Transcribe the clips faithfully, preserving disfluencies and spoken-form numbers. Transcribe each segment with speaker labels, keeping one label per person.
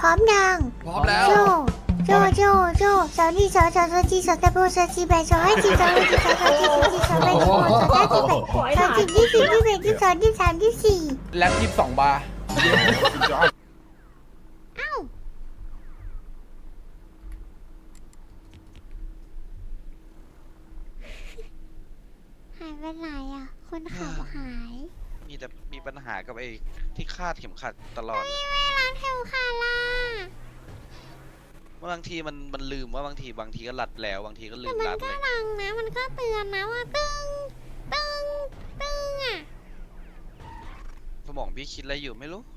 Speaker 1: ร้อมยัง
Speaker 2: พร้อมแล้ว
Speaker 1: โจโจโจโจสาวนี่สาวสาวสาวจีสาวตะโบสาวจีแบสาวให้จีสาวให้จีสาวสาวจีสาวจีสาวแบสาวสาวจีแบสาวจีที่สี่ที่แบที่สองที่สามที่สี่
Speaker 2: แล็บยี่สิบสองบาร์
Speaker 1: เอ้าหายไปไหนอ่ะคนขับหาย
Speaker 3: มีแต่มีปัญหากับไอ้ที่คาดเข็มขัดตลอด
Speaker 1: ไม่ร้านเทลคาร่า
Speaker 3: บางทีมันมันลืมว่าบางทีบางทีก็รัดแล้วบางทีก็ลื
Speaker 1: แต่
Speaker 3: ม
Speaker 1: มัน
Speaker 3: รัด
Speaker 1: ก็
Speaker 3: เลย
Speaker 1: ดังนะมันก็เตือนนะว่าตึงตึงตึงอ่ะ
Speaker 3: สมองพี่คิดอะไรอยู่ไม่รู้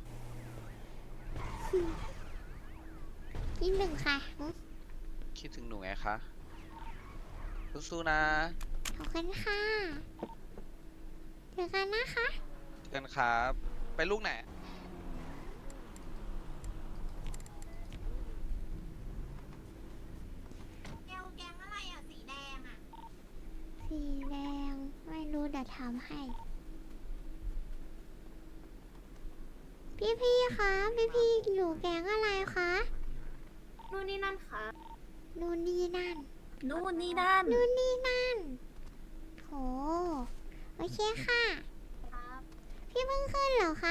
Speaker 1: อีกหนึ่งค่ะ
Speaker 3: คิดถึงหนูไงคะสู้ๆนะ
Speaker 1: ขอบคุณค่ะเจอกันนะคะ
Speaker 3: เจอกันครับไปลูกไหน
Speaker 1: แกวแกงอะไรอ่ะสีแดงอ่ะสีแดงไม่รู้เดี๋ยวทำให้พี่พี่คะพี่พี่อยู่แกงอะไรคะนู่นนี่นั่นค่ะนู่นนี่นั่น
Speaker 4: นู่นนี่นั่น
Speaker 1: นู่นนี่นั่นโหโอเคค่ะพี่เพิ่งขึ้นเหรอคะ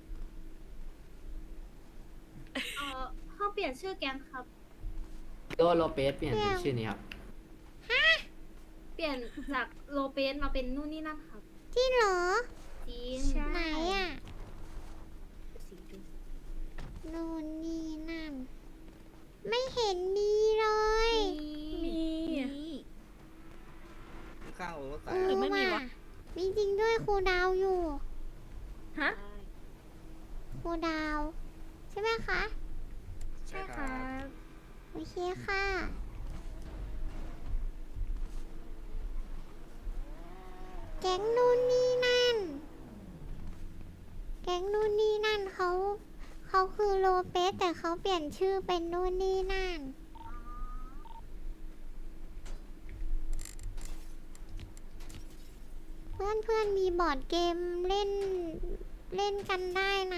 Speaker 5: เอ่อห้องเปลี่ยนชื่อแก๊งครับ
Speaker 6: โดโลเปสเปลี่ยนเป็นชื่อนี้ครับ
Speaker 5: เปลี่ยนจากโลเปสมาเป็นนู่นนี่นั่นครับ
Speaker 1: จริงเหรอ
Speaker 5: จริง
Speaker 1: ไหนอ่ะ
Speaker 5: สีดู
Speaker 1: นู่นนี่นั่น ไม่เห็นมีเลย
Speaker 5: มี
Speaker 6: ข้าว
Speaker 1: เออไม่มีวะมีจริงด้วยครูดาวอยู่
Speaker 4: ฮะ
Speaker 1: ครูดาว ใช่ไหมคะ
Speaker 5: ใช่ครับ
Speaker 1: โอเคค่ะ แก๊งนู่นนี่นั่น แก๊งนู่นนี่นั่นเขาเขาคือโลเปสแต่เขาเปลี่ยนชื่อเป็นนู่นนี่นั่น เพื่อนเพื่อนมีบอร์ดเกมเล่นเล่นกันได้นะ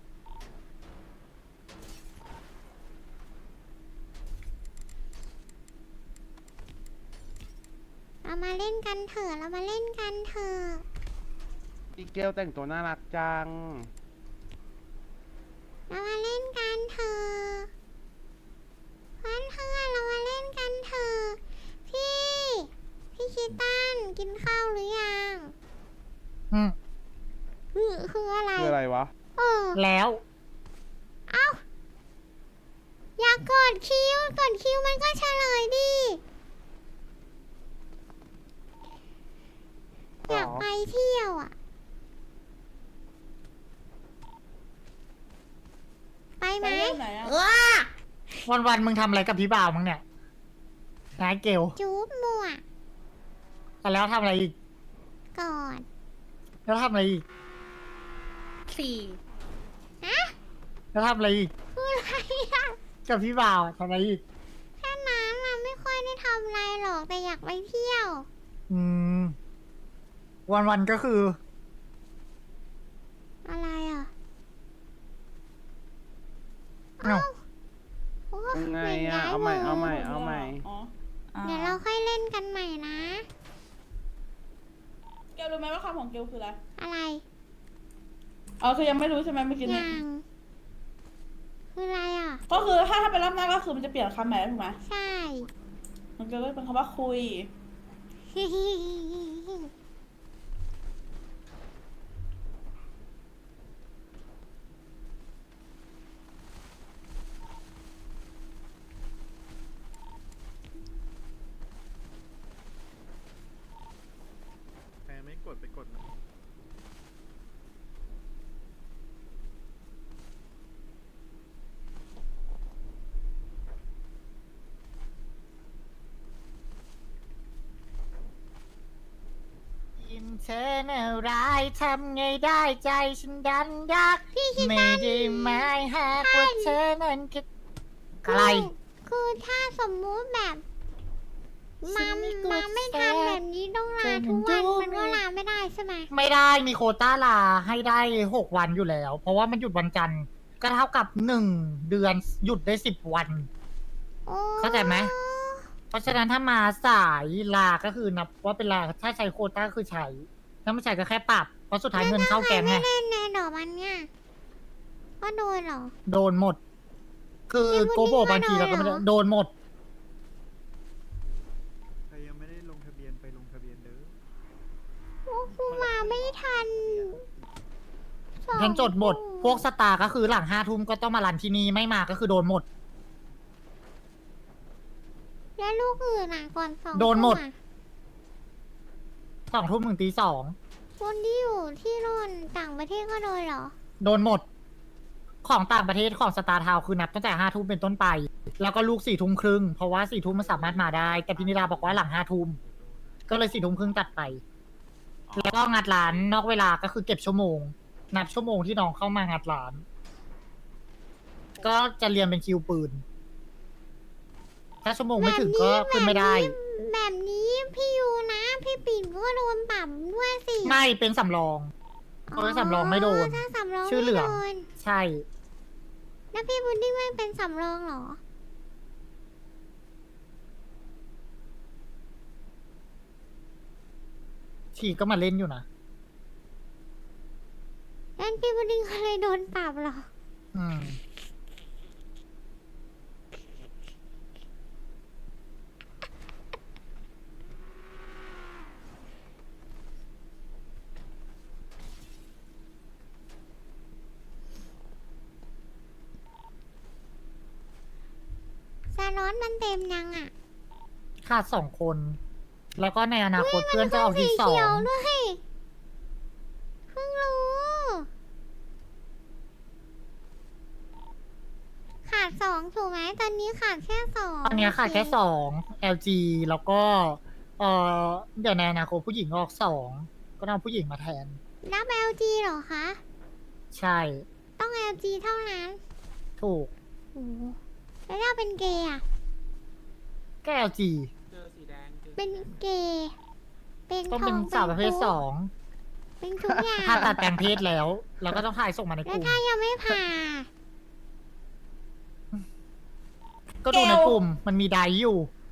Speaker 1: เรามาเล่นกันเถอะเรามาเล่นกันเถอะ
Speaker 2: พี่เกลแต่งตัวน่ารักจัง
Speaker 1: เรามาเล่นกันเถอะเพื่อนเพื่อนเรามาเล่นกันเถอะพี่ พี่คิดตันกินข้าวหรือยัง
Speaker 7: อืม
Speaker 1: คือคืออะไร
Speaker 2: คืออะไรวะ
Speaker 1: เออ
Speaker 7: แล้ว
Speaker 1: เอ้า อย่ากดคิวกดคิวมันก็เฉลยดิ อยากไปเที่ยวอ่ะ ไปไหม
Speaker 7: วันวันๆมึงทำอะไรกับพี่บ่าวมึงเนี่ยนายเกล
Speaker 1: จูบมั่ว
Speaker 7: แล้วทำอะไรอีก
Speaker 1: ก่อน
Speaker 7: แล้วทำอะไรอีก
Speaker 4: สี่
Speaker 1: ฮะ
Speaker 7: แล้วทำอะไรอีก
Speaker 1: พูดอะไรอ่ะ
Speaker 7: กับพี่บ่าวทำอะไรอีก
Speaker 1: แค่นั้นน่ะไม่ค่อยได้ทำอะไรหรอกแต่อยากไปเที่ยว
Speaker 7: อืม วันวันๆก็คือ
Speaker 1: อะไรอ่ะ
Speaker 7: เอ้า
Speaker 1: โอ้
Speaker 2: ยังไง
Speaker 1: ปลี่ยน
Speaker 2: อ่ะ
Speaker 1: ย้ย
Speaker 2: เอาใหม่
Speaker 1: วง
Speaker 2: เอาใหม่ เอาใหม่
Speaker 1: เดี๋ยวเราค่อยเล่นกันใหม่นะ
Speaker 4: เกลรู้ไหมว่าคำของเกลคืออะไร
Speaker 1: อะไร
Speaker 4: อ๋อคือยังไม่รู้ใช่ไหมเมื่อกี้นี้
Speaker 1: ยังคืออะไรอ่ะ
Speaker 4: ก็คือถ้าถ้าเป็นรอบหน้าก็คือมันจะเปลี่ยนคำใหม่แล้วถูกไหม
Speaker 1: ใช่
Speaker 4: มันก็เป็นคำว่าคุย
Speaker 2: แพ้ไม่กดไปกดนะ
Speaker 7: ยินเธอเน่าร้ายทำไงได้ใจฉันดันยากไม่ได้หมายหากว่าเธอนั้นคิดอะไร
Speaker 1: คือถ้าสมมุติแบบ
Speaker 7: ฉั
Speaker 1: มาน
Speaker 7: ไม่กด
Speaker 1: มาไม่ทันแบบนี้ต้องลาทุกวันมันก็ลาไม่ได้ใช่ไหม
Speaker 7: ไม่ได้มีโควต้าลาให้ได้หกวันอยู่แล้ว เพราะว่ามันหยุดวันจันทร์ก็เท่ากับหนึ่งเดือนหยุดได้สิบวัน
Speaker 1: โอ้
Speaker 7: เข้าใจไหม เพราะฉะนั้นถ้ามาสายลาก็คือนับว่าเป็นลาถ้าใช้โควต้าก็คือใช้ถ้าไม่ใช้ก็แค่ปรับ เพราะสุดท้ายเงินเข้าแกงไง
Speaker 1: ไม่เล่นในดอกมันเนี่ยก็โดนเหรอ
Speaker 7: โดนหมด คือ
Speaker 1: ยังไม่ได้
Speaker 7: โกโบบางทีเราก็ไม่ได้
Speaker 1: โดนเหรอ
Speaker 7: โดนหมด
Speaker 2: ใครยังไม่ได้ลงทะเบียนไปลงทะเบียนเด้อ
Speaker 1: โอ้กูมาไม่ทันสอง
Speaker 7: ฉันจดหมด
Speaker 1: คู่
Speaker 7: พวกสตาร์ก็คือหลังห้าทุ่มก็ต้องมารันที่นี่ไม่มาก็คือโดนหมด
Speaker 1: แล้วลูกอื่นอ่ะก่อนสอง
Speaker 7: โดนหมด
Speaker 1: ทุ่อะ
Speaker 7: สองทุ่มถึงตีสอง
Speaker 1: คนที่อยู่ที่นู่นต่างประเทศก็โดนเหรอ
Speaker 7: โดนหมด ของต่างประเทศของสตาร์ทาวคือนับตั้งแต่ห้าทุ่มเป็นต้นไป แล้วก็ลูกสี่ทุ่มครึ่งเพราะว่าสี่ทุ่มมันสามารถมาได้ แต่พินิราบอกว่าหลังห้าทุ่มก็เลยสี่ทุ่มครึ่งตัดไป แล้วก็งัดร้านนอกเวลาก็คือเก็บชั่วโมง นับชั่วโมงที่น้องเข้ามางัดร้าน ก็จะเรียนเป็นคิวปืน ถ้าชั่วโมงไม่ถึงก็ขึ้นไม่ได้
Speaker 1: แบบนี้พี่ยูนะ พี่ปิ่นก็โดนปรับด้วยสิ
Speaker 7: ไม่เป็นสำรอง เพราะว่าสำรองไม่โดน
Speaker 1: ถ้าสำรอง
Speaker 7: ชื่อเหลือง
Speaker 1: ไม่โดน
Speaker 7: ใช่
Speaker 1: แล้วพี่บุญดิ้งไม่เป็นสำรองเหรอ
Speaker 7: ฉีก็มาเล่นอยู่นะ
Speaker 1: งั้นพี่บุญดิ้งก็เลยโดนปรับเหรอ
Speaker 7: อืม
Speaker 1: ซาร้อนมันเต็มยังอ่ะ
Speaker 7: ขาดสองคน แล้วก็ในอนาคตเพื่อนจะออกที่สอ
Speaker 1: เขียว
Speaker 7: ง
Speaker 1: ด้วย เพิ่งรู้ ขาดสองถูกไหม ตอนนี้ขาดแค่สอง
Speaker 7: ตอนนี้ขาดแค่สอง แอล จี แล้วก็ เอ่อ เดี๋ยวในอนาคตผู้หญิงออกสอง ก็ต้องเอาผู้หญิงมาแทน
Speaker 1: รับ แอล จี เหรอคะ
Speaker 7: ใช่
Speaker 1: ต้อง แอล จี เท่านั้น
Speaker 7: ถูก
Speaker 1: โอ้โหแล้วถ้าเป็นเกย์อะ
Speaker 7: ก็ แอล จี
Speaker 1: เป็นเกย์ เป็น
Speaker 7: ต้อง
Speaker 1: ท
Speaker 7: เป็น
Speaker 1: อง
Speaker 7: สาวประเภท
Speaker 1: ตุ๊ด
Speaker 7: สอง
Speaker 1: เป็นทุกอย่าง
Speaker 7: ถ้าตัดแปลงเพศแล้ว แล้วก็ต้องถ่ายส่งมาในก
Speaker 1: แล้ว
Speaker 7: ลุ่ม
Speaker 1: ถ้ายังไม่ผ่า
Speaker 7: ก็ดูในกลุ่ม มันมีไดร์อยู่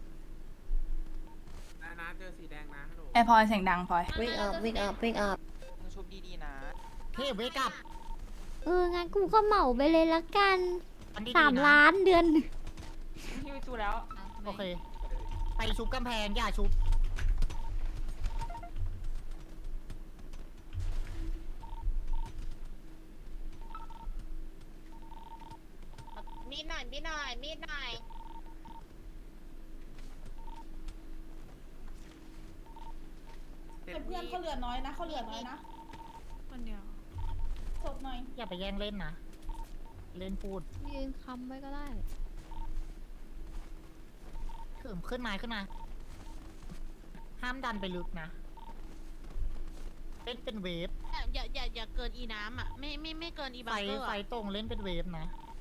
Speaker 4: ไอพลอยเสียงดังพลอย
Speaker 8: wake up wake up wake up
Speaker 3: ชุบดีๆนะ
Speaker 7: เฮ้ยเวกับ
Speaker 1: เออ งั้นกูก็เหมาไปเลยละกัน
Speaker 7: อันนี้
Speaker 1: สาม
Speaker 7: ดีะ
Speaker 1: ล้านเดือน
Speaker 7: โอเค ไปชุบกำแพง อย่าชุบ
Speaker 8: มีดหน่อยมีดหน่อยมีดหน่อย
Speaker 4: แต่เพื่อนเขาเหลือน้อยนะเขาเหลือน้อยนะคนเดียวสดหน่อย
Speaker 7: อย่าไปแย่งเล่นนะ เล่นพูด
Speaker 8: ยืนค้ำไว้ก็ได้
Speaker 7: ขึ้นขึ้นมาขึ้นมา ห้ามดันไปลึกนะ เล่นเป็นเวฟ
Speaker 8: อย่าอย่าอย่าเกินอีน้ำอ่ะ ไม่ไม่ไม่เกินอี
Speaker 7: ไฟ
Speaker 8: บังเกอร์
Speaker 7: ไฟ
Speaker 8: อะ
Speaker 7: ตรงเล่นเป็นเวฟนะ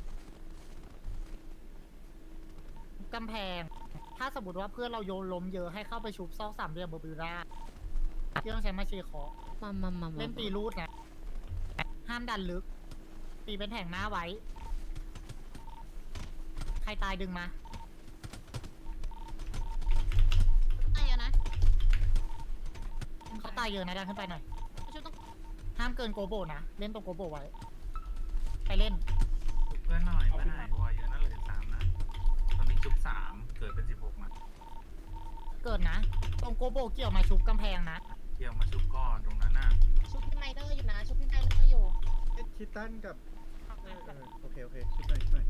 Speaker 7: กำแพง ถ้าสมมติว่าเพื่อนเราโยนล้มเยอะให้เข้าไปชุบซอกสามเหลี่ยมเบอร์บิวด้าที่ต้องใช้มาเชียร์เคาะ
Speaker 8: มามามามา
Speaker 7: เล่นตีรูดนะ ห้ามดันลึก ตีเป็นแถงหน้าไว้ ใครตายดึงมา
Speaker 8: ไอ้อะนะ
Speaker 7: เขาตายเยอะนะดันขึ้นไปหน่อย
Speaker 8: ชุดต้อง
Speaker 7: ห้ามเกินโกโบนะ เล่นตรงโกโบไว้ ไปเล่น
Speaker 9: เพื่อนหน่อยเพื่อนหน่อยวอเยอะนั่นเหลือสามนะ ตอนนี้ชุบสามเกิดเป็นสิบหกมา
Speaker 7: เกิดนะ ตรงโกโบเกี่ยวมาชุบกำแพงนะ
Speaker 9: เที่ยวมาชุบก่อนตรงนั้นน่ะ
Speaker 8: ชุดพี่ไมเนอร์อยู่นะ ชุดพี่ไมเนอร์อยู่
Speaker 2: เอ็ดคิตตันกับเออเออโอเค โอเคชิดหน่อยชิดหน่อย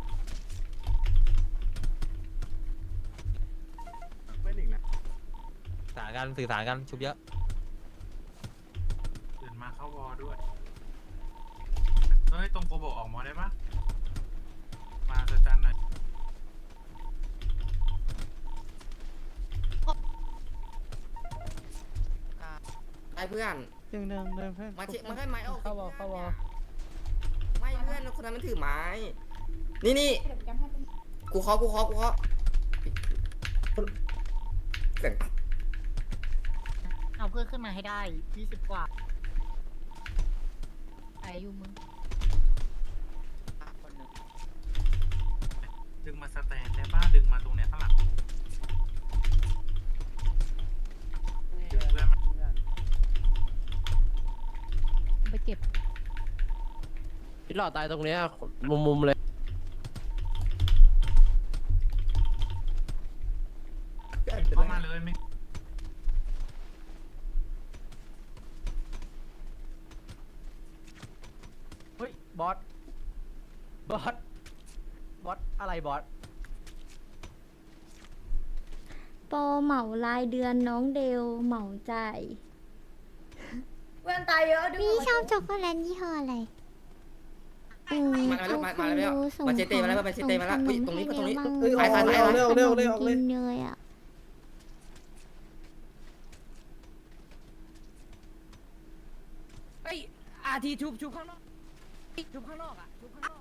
Speaker 2: ไม่หนิงนะ
Speaker 10: สื่อสารกันสื่อสารกันชุบเยอะ
Speaker 9: ตื่นมาเข้าวอด้วย เฮ้ย ตรงโกโบออกมอได้ปะมาสจันหน่อย
Speaker 6: ไอ้เพื่อน
Speaker 2: เดินเดินเดินเพื่อน
Speaker 6: มาเช็มาให้ไม้ออก
Speaker 7: เข้าวอเข้าวอ
Speaker 6: ไม่เพื่อนคนนั้นมันถือไม้ นี่นี่
Speaker 4: เดี๋ยวจำให้เป็น
Speaker 6: กูเคาะกูเคาะกูเคาะเสียง
Speaker 7: เอาเพื่อนขึ้นมาให้ได้ยี่สิบกว่า
Speaker 8: ไออยู่มึง
Speaker 9: มาสแตนได้ป้าดึงมาตรงเนี้ยข้างหลังดึงเพื่อนมา
Speaker 8: ไปเก็บ
Speaker 10: พี่หล่อตายตรงเนี้ยมุมมุมเลย
Speaker 9: เข้ามาเลยไม่
Speaker 10: เฮ้ยบอสบอสบอสอะไรบอส
Speaker 1: โปรเหมารายเดือนน้องเดลเหมาจ่าย
Speaker 5: เพื่อนตายเยอะด้วย
Speaker 1: นี่ชอบช็อกโกแลตยี่ห้ออะไรอืม
Speaker 6: มาแล้วมามาแล้ว
Speaker 1: ส่ง
Speaker 6: มาเจเต้มาแล้วมาเจเต้มาแล้ว
Speaker 1: ส่
Speaker 6: อุ้ย
Speaker 1: ข
Speaker 6: ตรงนี้
Speaker 1: ให้
Speaker 6: ตรงนี้
Speaker 1: เดล
Speaker 2: เอ้ย
Speaker 6: ไปไปไป
Speaker 2: ออกเร็วเร็วเร็วออกเลย
Speaker 1: ขนมกินเลยอ่ะ
Speaker 10: เฮ้ยอาทีชุบชุบข้างนอกชุบข้างนอกอ่ะชุบข้างนอก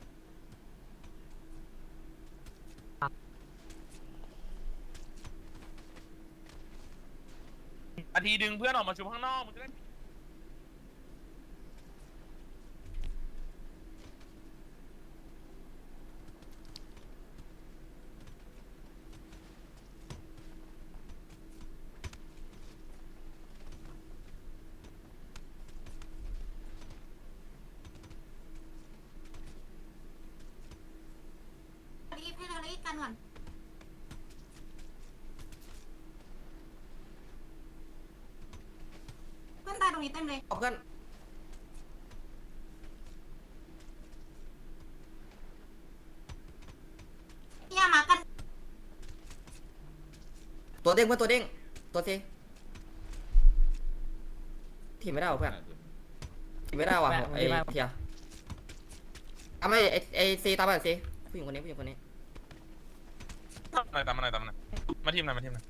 Speaker 9: อาทีดึงเพื่อนออกมาชุบข้างนอกมึงจะได้
Speaker 4: รีบให้เรารีบกันก่อนเพื่อนตายตรงนี้เต็มเลย
Speaker 6: เพื่อน
Speaker 4: อย่ามากัน
Speaker 6: ตัวเด้งเพื่อนตัวเด้งตัวเซทีมไม่ได้เพื่อนทีมไม่ได้ว่ะไอ้เทียเอาไม่ไอ้ไอ้ซีตามไปซีผู้หญิงคนนี้ผู้หญิงคนนี้
Speaker 9: ตามมาหน่อยตามมาหน่อยตามมาหน่อยมาทีมหน่อยมาทีมหน่อย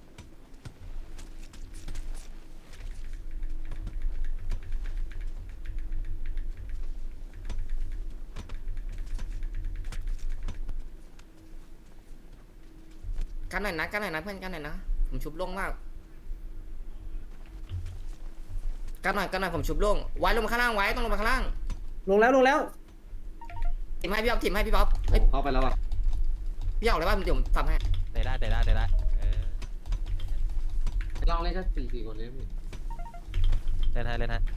Speaker 6: กันหน่อยนะกันหน่อยนะเพื่อนกันหน่อยนะผมชุบโล่งมากกันหน่อยกันหน่อยผมชุบโล่งไว้ลงมาข้างล่างไว้ต้องลงมาข้างล่าง
Speaker 2: ลงแล้วลงแล้ว
Speaker 6: ทีมให้พี่อ๊อฟทีมให้พี่อ๊อฟเอ้ย
Speaker 2: เข้าไปแล้วอ่ะ
Speaker 6: พี่ออกเลยว่าเดี๋ยวผมทำให้
Speaker 10: เตะได้เตะได้เตะได้เออ
Speaker 2: ลองเล่นแค่สี่สี่คนเลยพี่
Speaker 10: เล่นให้เล่นให้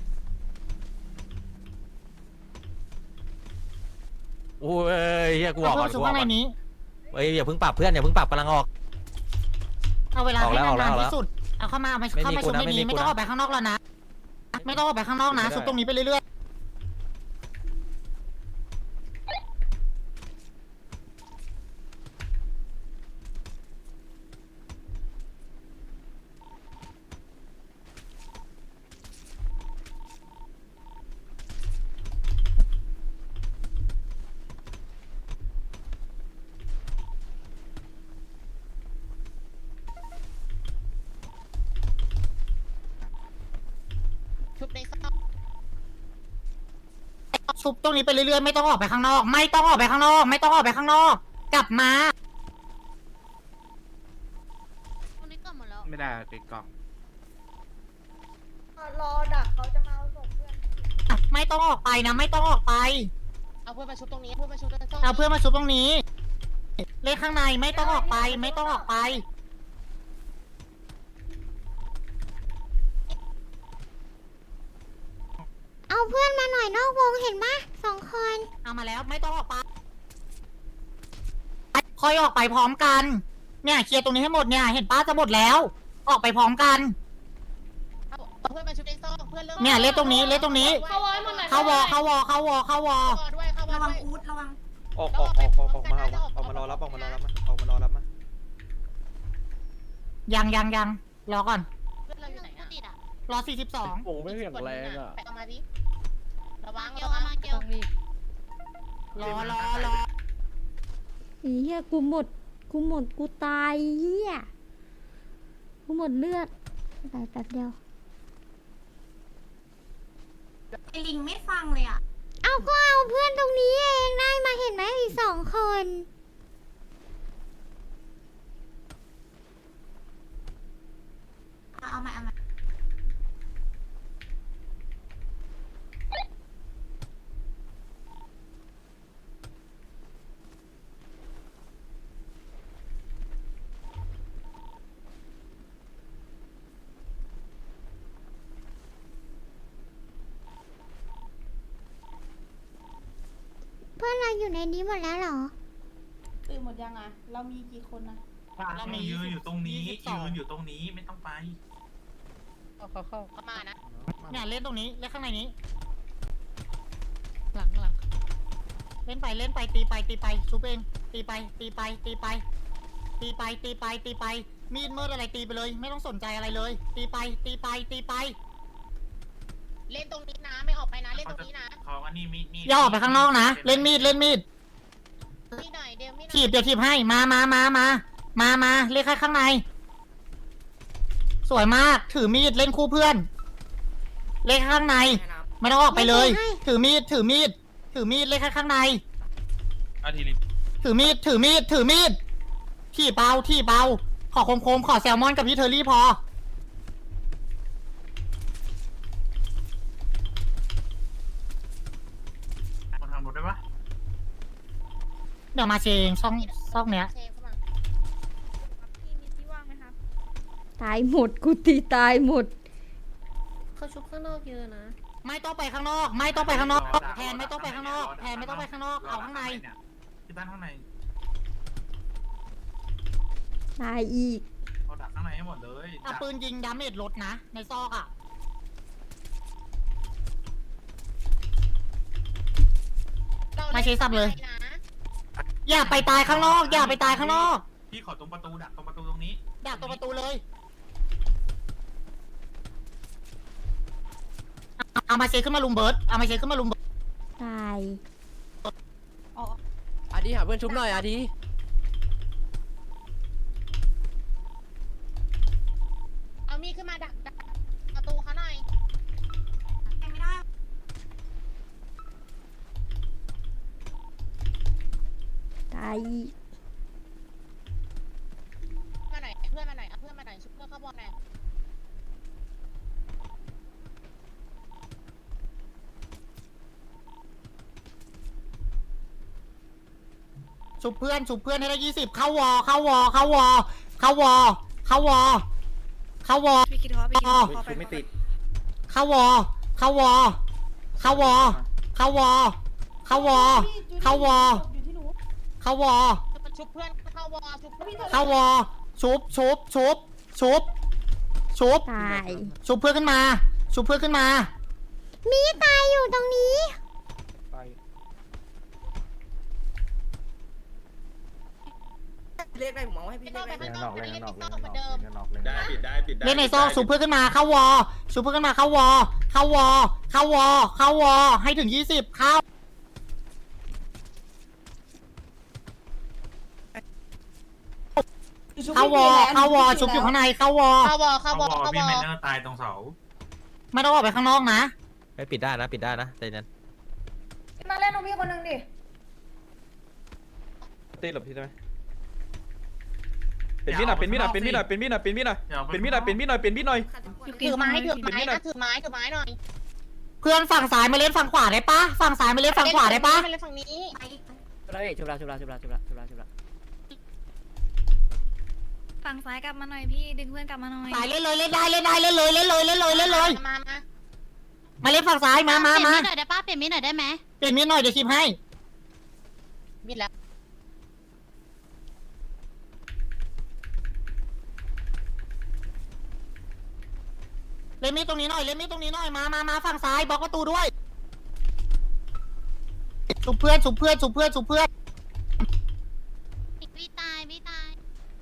Speaker 10: โอ้ยเฮียกูออกก่อน
Speaker 7: ชุ
Speaker 10: กู
Speaker 7: บ
Speaker 10: ออก
Speaker 7: ข้างใน
Speaker 10: ก่อน
Speaker 7: นี้
Speaker 10: เฮ้ยอย่าเพิ่งปรับเพื่อนอย่าเพิ่งปรับกำลังออก
Speaker 7: เอาเวลา
Speaker 10: ออก
Speaker 7: ให้
Speaker 10: แล้วออกแล้
Speaker 7: นาน
Speaker 10: ว
Speaker 7: ๆที่สุด เอาเข้ามาเอามา
Speaker 10: ไม่
Speaker 7: เข้า
Speaker 10: มี
Speaker 7: ไป
Speaker 10: กู
Speaker 7: ชุบ
Speaker 10: นะ
Speaker 7: ใน
Speaker 10: ไม่มี
Speaker 7: นี้ไม่
Speaker 10: กู
Speaker 7: ต้อง
Speaker 10: นะ
Speaker 7: ออกไปข้างนอกแล้วนะ ไม่ต้องออกไปข้างนอกนะ
Speaker 10: ไม่ได้
Speaker 7: ชุบตรงนี้ไปเรื่อยๆ
Speaker 8: ชุบในซอก
Speaker 7: ชุบตรงนี้ไปเรื่อยๆไม่ต้องออกไปข้างนอก ไม่ต้องออกไปข้างนอก ไม่ต้องออกไปข้างนอก กลับมา
Speaker 8: ตรงนี้ก็หมดแล้ว
Speaker 9: ไม่ได้ติดกล่อง
Speaker 5: รอดักเขาจะมาเอาศพเพื่อน
Speaker 7: ไม่ต้องออกไปนะ ไม่ต้องออกไป
Speaker 8: เอาเพื่อนมาชุบตรงนี้เพื่อนมาชุบตรงซอก
Speaker 7: เอาเพื่อนมาชุบตรงนี้ เลขข้างในไม่ต้องออกไป ไม่ต้องออกไป
Speaker 1: เอาเพื่อนมาหน่อยนอกวงเห็นปะสองคน
Speaker 7: เอามาแล้วไม่ต้องออกไปคอยออกไปพร้อมกัน เนี่ยเคลียร์ตรงนี้ให้หมดเนี่ยเห็นป้าจะหมดแล้ว ออกไปพร้อมกัน
Speaker 8: เอาเอาเพื่อนมาชุบในซอกเพื่อนเริ่ม
Speaker 7: เนี่ยเลขตรงนี้เลขตรงนี้
Speaker 5: เข้าวอยหมดเลย
Speaker 7: เข้าวอเข้าวอเข้าวอเข้าวอ
Speaker 8: เข้าวอด้วยเข้าวอ
Speaker 4: ระวัง
Speaker 8: ด้วย
Speaker 4: อูดระวัง
Speaker 3: ออกออกออกออกออกมาออกออกมารอรับออกมารอรับมาออกมารอรับมา
Speaker 7: ยังยังยังรอก่อน
Speaker 8: เพื่อนเราอยู่ไหนอะติดอะ
Speaker 7: รอสี่สิบสอง
Speaker 10: โอ้ไม่แข็งแรงอ่ะ
Speaker 8: ไปเอามาดิระวังระวังเกียว
Speaker 7: รอรอรอ
Speaker 1: อีเหี้ยกูหมด กูหมด กูตายเหี้ย กูหมดเลือดตายแป๊บเดียว
Speaker 4: ไอลิงไม่ฟังเลยอ่ะ
Speaker 1: เอาก็เอาเพื่อนตรงนี้เองได้มาเห็นไหมอีกสองคน
Speaker 4: เอามาเอามา
Speaker 1: พื่อนเราอยู่ในนี้หมดแล้วเหรอ
Speaker 4: ตื่นหมดยังอ่ะ เรามีกี่คนนะ
Speaker 7: เรามี
Speaker 9: ยืนอยู่ตรงนี้
Speaker 7: ยี่สิบสอง
Speaker 9: ยืนอยู่ตรงนี้ไม่ต้องไป
Speaker 8: เข้าเข้าเข้ามานะ
Speaker 7: เนี่ยเล่นตรงนี้เล่นข้างในนี้ หลังหลังเล่นไปเล่นไปตีไปตีไปชุบเองตีไปตีไปตีไป ตีไปตีไปตีไป มีดมืดอะไรตีไปเลย ไม่ต้องสนใจอะไรเลย ตีไปตีไปตีไป
Speaker 8: เล่นตรงนี้นะ ไม่ออกไปนะ เล่นตรงนี้นะ
Speaker 9: เขาอันนี้มีมี
Speaker 7: อย่าออกไปข้างนอกนะ เล่นมีดเล่นมีด
Speaker 8: มีหน่อยเดียวมีหน่
Speaker 7: ถี
Speaker 8: อย
Speaker 7: บเดี๋ยวถีบให้มามามามามามาเล่นแค่ข้างใน สวยมากถือมีดเล่นคู่เพื่อน เล่นข้างใน ไม่ต้องออกไปเลย
Speaker 1: ไม่ให้
Speaker 7: ถือมีดถือมีดถือมีดเล่นแค่ข้างใน
Speaker 9: อาทีลิ
Speaker 7: ถือมีดถือมีดถือมีดที่เบาที่เบาขอคมๆขอแซลมอนกับพี่เทอรี่พอ
Speaker 9: มาทางรถได้ปะ
Speaker 7: เดี๋ยวมาเชงช่องช่องเนี้ย
Speaker 8: เชฟเข้ามา
Speaker 11: ตายหมดกูตีตายหมด
Speaker 5: เขาชุบข้างนอกเยอะนะ
Speaker 7: ไม่ต้องไปข้างนอก ไม่ต้องไปข้างนอกแทนไม่ต้องไปข้างนอกแทนไม่ต้องไปข้างนอกเอาข้างใน
Speaker 9: ที่บ้านข้างใน
Speaker 11: ตายอีก
Speaker 9: เราดักข้างในให้หมดเลย
Speaker 7: เอาปืนยิงดาเมจลดนะ ในซอกอ่ะ
Speaker 8: เรา
Speaker 7: มาเชฟสับเลย
Speaker 8: นะ
Speaker 7: อย่าไปตายข้างนอก อย่าไปตายข้างนอก
Speaker 9: พี่ขอตรงประตูดักตรงประตูตรงนี้
Speaker 7: ดักตรงประตูเลยเอาเอามาเชฟขึ้นมาลุมเบิร์ดเอามาเชฟขึ้นมาลุมเบิร์ด
Speaker 11: ตาย
Speaker 10: อาดีหาเพื่อนชุบหน่อยอาดี
Speaker 8: เอามีดขึ้นมาดักดักประตูเขาหน่อย
Speaker 11: ตายอีก
Speaker 8: มาหน่อยเพื่อนมาหน่อยเอาเพื่อนมาหน่อยชุบเพื่อนเข้าบอลหน่อย
Speaker 7: ชุบเพื่อนชุบเพื่อนให้ได้ยี่สิบเข้าวอเข้าวอเข้าวอเข้าวอเข้าวอเข้าวอ
Speaker 4: พี่คิดว่าพี่คิด
Speaker 2: ชุบไม่ติด
Speaker 7: เข้าวอเข้าวอเข้าวอเข้าวอเข้าวอเข้าวอ
Speaker 4: อยู่ที่หนู
Speaker 7: เข้าวอ
Speaker 8: ชุบเพื่อนเข้าวอชุบเพื่อน
Speaker 7: เข้าวอชุบชุบชุบชุบชุบ
Speaker 11: ตาย
Speaker 7: ชุบเพื่อนขึ้นมา ชุบเพื่อนขึ้นมา
Speaker 1: มีตายอยู่ตรงนี้
Speaker 6: เรียกได้ผมมองให้พี่
Speaker 8: ไม่
Speaker 6: เรี
Speaker 8: ต้
Speaker 6: ย
Speaker 8: อง
Speaker 6: ก
Speaker 8: ไป
Speaker 6: ได้
Speaker 8: ข้างนอกอันนี้เล่นติ๊กต็อกเหมือนเดิม
Speaker 2: ได้ปิดได้ปิดได้
Speaker 7: เล่นในซอกชุบเพื่อนขึ้นมาเข้าวอชุบเพื่อนขึ้นมาเข้าวอเข้าวอเข้าวอเข้าวอให้ถึงยี่สิบเข้า เข้าวอเข้าวอชุบอยู่ข้างในเข้าวอ
Speaker 8: เข้าวอ
Speaker 9: เขา
Speaker 8: เข้าว
Speaker 9: บ
Speaker 8: อ
Speaker 9: อก
Speaker 8: เข้าว
Speaker 9: พี่
Speaker 8: อ
Speaker 9: เมนเนอร์ตายตรงเสา
Speaker 7: ไม่ต้องออกไปข้างนอกนะ
Speaker 10: ไม่ปิดได้นะปิดได้นะใจนั้น
Speaker 4: มาเล่นตรงพี่คนหนึ่งดิ
Speaker 2: ตีหลบพี่ได้ไหมเป็นมีดหน่อยเป็นมีดหน่อยเป็นมีดหน่อยเป็นมีดหน่อยเป็นมีดหน่อยเป็นมีดหน่อยเป็นมีดหน่อยเป็นมีดหน่อย
Speaker 8: ถือไม้ถือไม้นะถือไม้ถือไม้หน่อย
Speaker 7: เพื่อนฝั่งซ้ายมาเล่นฝั่งขวาได้ปะฝั่งซ้ายมาเล่นฝั่งขวาได้ปะ
Speaker 8: มาเล่นฝั่งนี้
Speaker 10: ชุบแล้วชุบแล้วชุบแล้วชุบแล้วชุบแล้วชุบแล้วชุบแล้ว
Speaker 4: ฝั่งซ้ายกลับมาหน่อยพี่ดึงเพื่อนกลับมาหน่อย
Speaker 7: ซ้ายเล่นเลยเล่นได้เล่นได้เล่นเลยเล่นเลยเล่นเลยเล่นเลย
Speaker 8: มามา
Speaker 7: มาเล่นฝั่งซ้ายมามามา
Speaker 1: เปลี่ยนมีดหน่อยได้ปะเปลี่ยนมีดหน่อยได้ไหม
Speaker 7: เปลี่ยนมีดหน่อยเดี๋ยวชิมให้
Speaker 8: บิดแล้ว
Speaker 7: เล่นมีดตรงนี้หน่อยเล่นมีดตรงนี้หน่อยมามามาฝั่งซ้ายบล็อกประตูด้วยชุบเพื่อนชุบเพื่อนชุบเพื่อนชุบเพื่อน
Speaker 1: มีตายมีตาย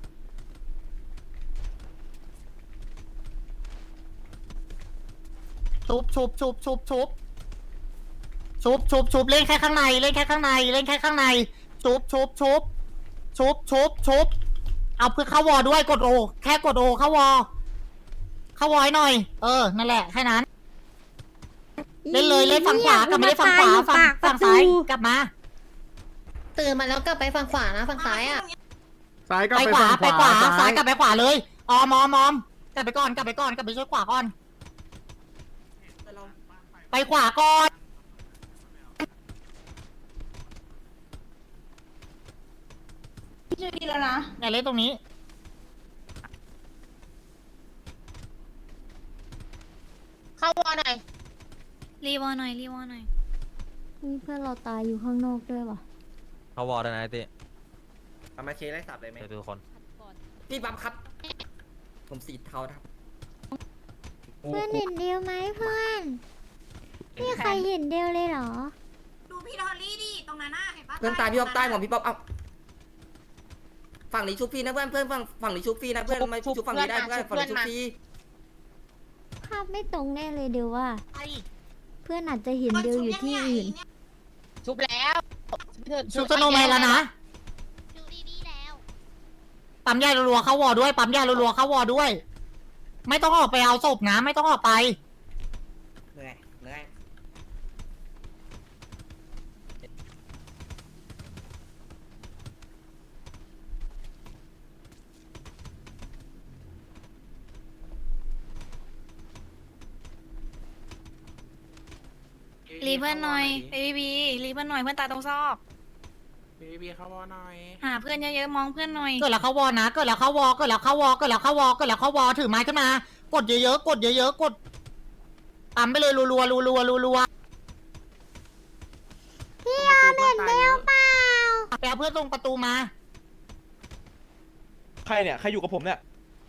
Speaker 7: ชุบชุบชุบชุบชุบชุบชุบชุบเล่นแค่ข้างในเล่นแค่ข้างในเล่นแค่ข้างในชุบชุบชุบชุบชุบชุบเอาเพื่อเข้าวอด้วยกดโอแค่กดโอเข้าวอเข้าวอให้หน่อยเออนั่นแหละแค่นั้น เล่นเลยเล่นฝั่งขวากลับมาเล่นฝั่งขวาฝั่งฝั่งซ้ายกลับมา
Speaker 5: ตื่นมาแล้วกลับไปฝั่งขวานะฝั่งซ้ายอ่ะ
Speaker 2: ซ้ายก็
Speaker 7: ไป
Speaker 2: ไป
Speaker 7: ขวา
Speaker 2: ฝั่ง
Speaker 7: ไปขวา
Speaker 2: ซ้า
Speaker 7: ซ้าย
Speaker 2: ย
Speaker 7: กลับไปขวาเลยออมอมอมกลับไปก่อนกลับไปก่อนกลับไปช่วยขวาก่อนไปขวาก่อน
Speaker 4: พี่ช่วยดีแล้วนะ
Speaker 7: อย่าเล่นตรงนี้
Speaker 8: เข้าวอหน่อย
Speaker 4: รีวอหน่อยรีวอหน่อย
Speaker 11: มีเพื่อนเราตายอยู่ข้างนอกด้วยวะ
Speaker 10: เขาวอลได้นะไอ้ติ
Speaker 6: เอามาเชไล่สับเลยไหม
Speaker 10: เดี๋ยวดูคน
Speaker 6: พี่บัมครับ ผมสีเทาครับ
Speaker 1: เพื่อนเห็นเดียวไหมเพื่อนพี่ใครเห็นเดียวเลยเหรอ
Speaker 8: ดูพี่ดอลลี่ดิตรงนั้นน่ะเห็นปะ
Speaker 6: เพื่อนตายพี่ป๊อปตายผมพี่ป๊อปเอาฝั่งนี้ชุบพี่นะเพื่อนเพื่อนฝั่งฝั่งนี้ชุบพี่นะเพื่อนมาชุบฝั่งนี้ได้เพื่อนฝั่งนี้ชุบพี่
Speaker 1: ภาพไม่ตรงแน่เลยเดียวว่า เพื่อนอาจจะเห็นเดียวอยู่ที่อื่น
Speaker 8: ชุบแล้ว
Speaker 7: ชุบสโนว์แมนแล้วนะ
Speaker 1: ดูดีๆแล้ว
Speaker 7: ปั๊มยารัวๆเข้าวอด้วย ปั๊มยารัวๆเข้าวอด้วย ไม่ต้องออกไปเอาศพนะ ไม่ต้องออกไป
Speaker 6: เหนื่อยเหนื่อย
Speaker 8: รีเพื่อนหน่อยบีบีรีเพื่อนหน่อยเพื่อนตายตรงซอก
Speaker 9: บีบีเขาวอหน่อย
Speaker 8: หาเพื่อนเยอะๆมองเพื่อนหน่อย
Speaker 7: เกิดแล้วเข้าวอนะ เกิดแล้วเข้าวอ เกิดแล้วเข้าวอ เกิดแล้วเข้าวอ เกิดแล้วเข้าวอ ถือไม้ขึ้นมา กดเยอะๆ กดเยอะๆ กดปั๊มไปเลยรัวๆรัวๆรัวๆ
Speaker 1: พี่ยอมเห็นเดียวเปล่า
Speaker 7: ไปเอาเพื่อนตรงประตูมา
Speaker 2: ใครเนี่ย ใครอยู่กับผมเนี่ย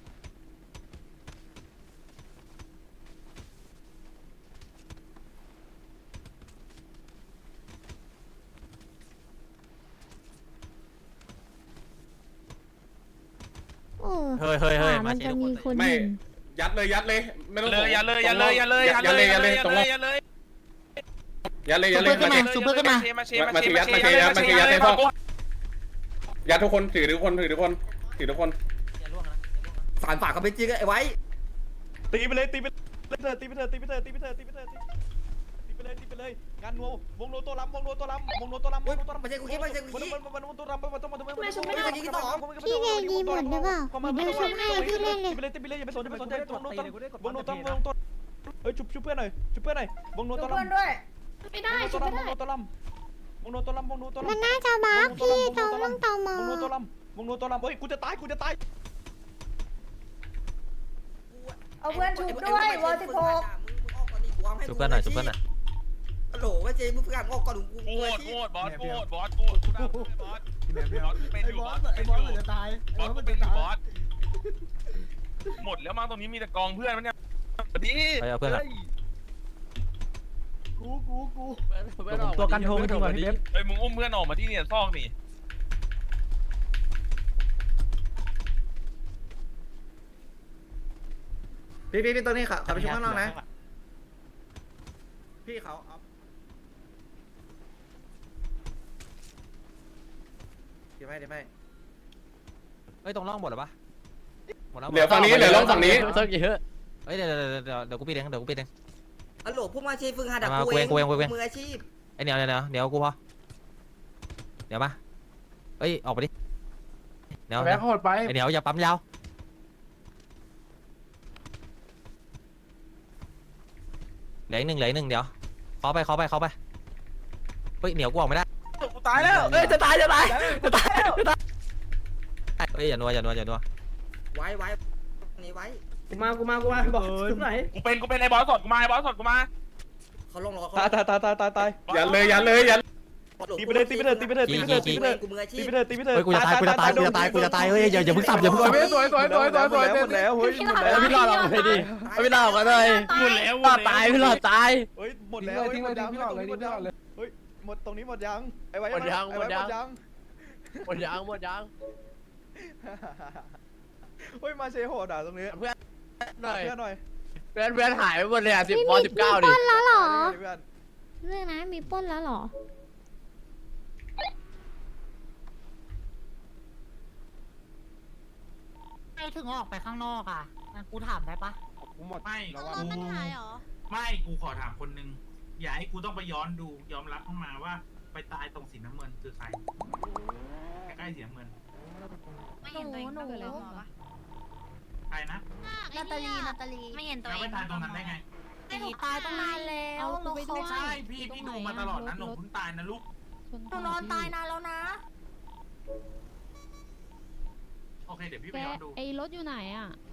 Speaker 1: โอ้
Speaker 10: เฮ้ยเฮ้ยเฮ้ย
Speaker 1: ขวามันจะมีคนเห็น
Speaker 2: ยัดเลยยัดเลย ไม่ต้อง
Speaker 9: เลยอย่าเลยอย่าเลยอย่าเลยอย่าเลยอย่าเลยอย่าเลยอย่าเลย
Speaker 2: ยัดเลย
Speaker 7: ซุ
Speaker 2: ยั
Speaker 7: ป
Speaker 2: ด
Speaker 7: เป
Speaker 2: เล
Speaker 7: อย ร์ขึ้นมาซุปเปอร์ขึ้นมา
Speaker 9: มาเช
Speaker 2: มาถือยัดมาถือยัดมาถือยัดในพ่อยัดทุกคนถือทุกคนถือทุกคนถือทุกคน
Speaker 6: ฝานฝากเขาไปจริงไอ้ไว้
Speaker 2: ตีไปเลยตีไปเลยตีไปเถอะตีไปเถอะตีไปเถอะตีไปเถอะตีไปเลยตีไปเลยงานนัววงโนตัวล้ำวงโนตัวล้ำวงโนตัวล้ำวงโนตัวล้ำ
Speaker 6: ไม่ใช่กูคิดไม่ใช่กูคิด
Speaker 2: มันมันมันตัวล้ำมันต้องมันต้องมันต้อง
Speaker 1: พี่เนยีหมดหรือเปล่าเดี๋ยวชุบให้พี่เล่นเลย
Speaker 2: ตีไปเลยตีไปเลยอย่าไปสนอย่าไปสนใจวงโนตัววงโนตัววงโนตัวเฮ้ยชุบชุบเพื่อนหน่อยชุบเพื่อนหน่อยวงโนตัวล้ำ
Speaker 8: ไม่ได้ชุบไม่ได้
Speaker 2: วงโนตัวล้ำวงโนตัวล้ำวงโนตัวล้ำ
Speaker 1: มันน่าจะบักพี่ตรงต้องตอมอ
Speaker 2: วงโนตัวล้ำวงโนตัวล้ำเฮ้ยกูจะตายกูจะตาย
Speaker 6: เอาเพื่อนชุบด้วยวอสิบหก
Speaker 10: ชุบเพื่อนหน่อยชุบเพื่อนหน่อย
Speaker 6: ฮัลโหลว่าเจมึงเพื่อนออกก่อนกู
Speaker 9: โคตรโคตรบอสโคตรบอสโคตรบอสบอสเป็นอยู่บอสเป็นอยู่บอสตายบอสเป็นอยู่บอสหมดแล้วมั้งตรงนี้มีแต่กองเพื่อนมันเนี่ยดี
Speaker 10: ไปเอาเพื่อนหน่อยตัวกันโทงจริงว่ะพี่เบ๊บ
Speaker 9: เฮ้ยมึงอุ้มเพื่อนออกมาที่เนี่ยซอกนี่
Speaker 2: พี่พี่พี่ตัวนี้ค่ะขับไปช่วยข้างนอกนะพี่เขาเอาเดี๋ยวไม่เดี๋ยวไม่
Speaker 10: เฮ้ยตรงร่องหมดหรอปะหมดแล้ว
Speaker 2: เหลือฝั่งนี้เหลือร่องฝั่งนี้
Speaker 10: เฮ้ยเยอะเฮ้ยเดี๋ยวเดี๋ยวเดี๋ยวเดี๋ยวกูปิดเองเดี๋ยวกูปิดเอง
Speaker 6: ฮัลโหลพวกมาเชฝึกหาดัก
Speaker 10: มา
Speaker 6: กูเอง
Speaker 10: กูเองกูเอง
Speaker 6: มืออาชีพ
Speaker 10: ไอ้เหนียวเดี๋ยวเดี๋ยวเดี๋ยวกูพอเดี๋ยวมาเฮ้ยออกไปดิเดี๋ยว
Speaker 9: แบกโหดไป
Speaker 10: ไอ้เหนียวอย่าปั๊มยาวเหลืออีกหนึ่งเหลืออีกหนึ่งเดี๋ยวเคาะไปเคาะไปเคาะไปเฮ้ยเหนียวกูออกไม่ได้
Speaker 9: กูตายแล้ว
Speaker 10: เอ้ยจะตายจะตายจะตายจะตายเฮ้ยอย่านัวอย่านัวอย่านัว
Speaker 6: ไว้ไว้นี่ไว้
Speaker 10: กูมากูมากูมาบอกชุบไหน
Speaker 9: กูเป็นกูเป็นไอ้บอสสดกูมาไอ้บอสสดกูมา
Speaker 6: เขาลงรอเขา
Speaker 2: ตายตายตายตายตายตายยันเลยยันเลยยัน ตีไปเลยตีไปเลยตีไปเลยตีไปเลยตีไปเลย
Speaker 6: กูมืออาชี
Speaker 2: ตี
Speaker 6: พ
Speaker 2: ไปเลยตีไปเลย
Speaker 10: เฮ้ยกูจะตายกูจะตายกูจะตายกูจะตายเฮ้ยอย่าอย่าเพิ่งสับอย่าเพิ่งสับ
Speaker 2: สวยสวยสวยสวยสวยหมดแล้วเฮ้ยหมดแล้ว
Speaker 10: พี่หลอดออกไปดิพี่หลอดออกมาเลย
Speaker 9: หมดแล้ว
Speaker 10: หลอดตายพี่หลอดตาย
Speaker 2: เฮ้ยหมดแล้วหมดยังหมดเลยหมดยังเฮ้ยหมดตรงนี้หมดยังไอ้ไว้หมดยังหมดยัง
Speaker 10: หมดยางหมดยาง
Speaker 2: เฮ้ยมาเชโหดอ่ะตรงนี้
Speaker 10: เพื่อนหน่อย
Speaker 2: เพื่อนหน่อย
Speaker 10: เพื่อนเพื่อนหายไปหมดเลยอ่ะสิบ
Speaker 1: พี่
Speaker 10: ปอ
Speaker 1: มี
Speaker 10: สิบ
Speaker 1: มี
Speaker 10: เก้า
Speaker 1: ป
Speaker 10: ดิ
Speaker 1: ล้นแล้วเหรอ
Speaker 2: เพื่อน
Speaker 1: เรื่องนะมีปล้นแล้วเหรอ
Speaker 7: ไม่ถึงออกไปข้างนอกอ่ะงั้นกูถามได้ปะ
Speaker 2: กูหมด
Speaker 9: ไม่
Speaker 2: แล้ว
Speaker 9: กู
Speaker 2: ว่า
Speaker 9: ไม่กูขอถามคนนึงอย่าให้กูต้องไปย้อนดูยอมรับเข้ามาว่าไปตายตรงสีน้ำเงินคือใครใกล้ๆสีน้ำเงิน
Speaker 8: ไม่เห็นตัวเองตั้งแต่เลยหัวปะ
Speaker 9: ใครนะ
Speaker 8: นาตาลีนาตาลีไม่เห็นตัว
Speaker 9: แล้ว
Speaker 8: เอ
Speaker 9: ไป
Speaker 8: ง
Speaker 9: ตายตรงนั้นได้ไง
Speaker 8: หนูตายตั้งนานแล้วหนู
Speaker 9: ไม่ใช่พี่พี่ดูมาตลอดนะหนูเพิ่งตายนะลูก
Speaker 8: หนูนอนตายนานแล้วนะ
Speaker 9: โอเคเดี๋ยวพี่ไปย้อนดู
Speaker 5: ไอ้รถอยู่ไหนอ่ะ